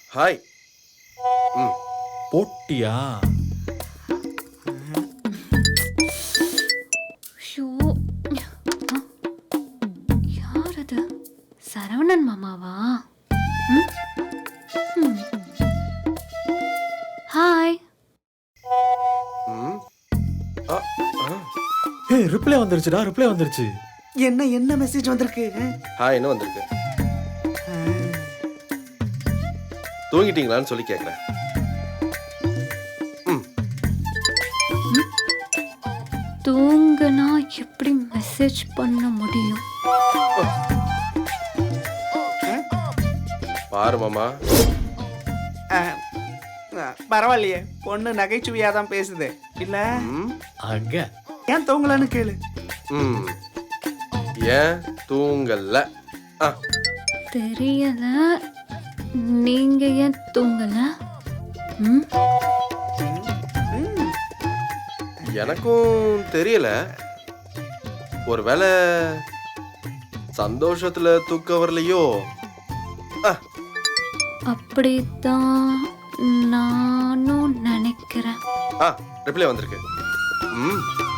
Hi. ம். போட்டியா? Show, யார் அது? சரவணன் மாமாவா? ம்? ம். ஹாய். ம். ஆ, ஆ. ஏய் ரிப்ளை வந்துருச்சுடா, ரிப்ளை வந்துருச்சு. என்ன மெசேஜ் வந்திருக்கு? ஹாய்னு வந்திருக்கு. தூங்கிட்டீங்களான்னு சொல்லி கேட்குறேன். ம். தூங்குனா எப்படி மெசேஜ் பண்ண முடியும்? பாரு மாமா. பரவாயில்லையே, பொண்ணு நகைச்சுவையா தான் பேசுது இல்ல? ம். அங்க ஏன் தூங்கலன்னு கேளு. ம். ஏன் தூங்கல? ஆ. தெரியல. நீங்க ஏன் தூங்கல? ம்? எனக்கும் தெரியல. ஒருவேளை சந்தோஷத்துல தூக்கம் வரலையோ? ஆ. அப்படித்தான் நானும் நினைக்கிறேன். ஆ, ரிப்ளை வந்திருக்கு. ம்.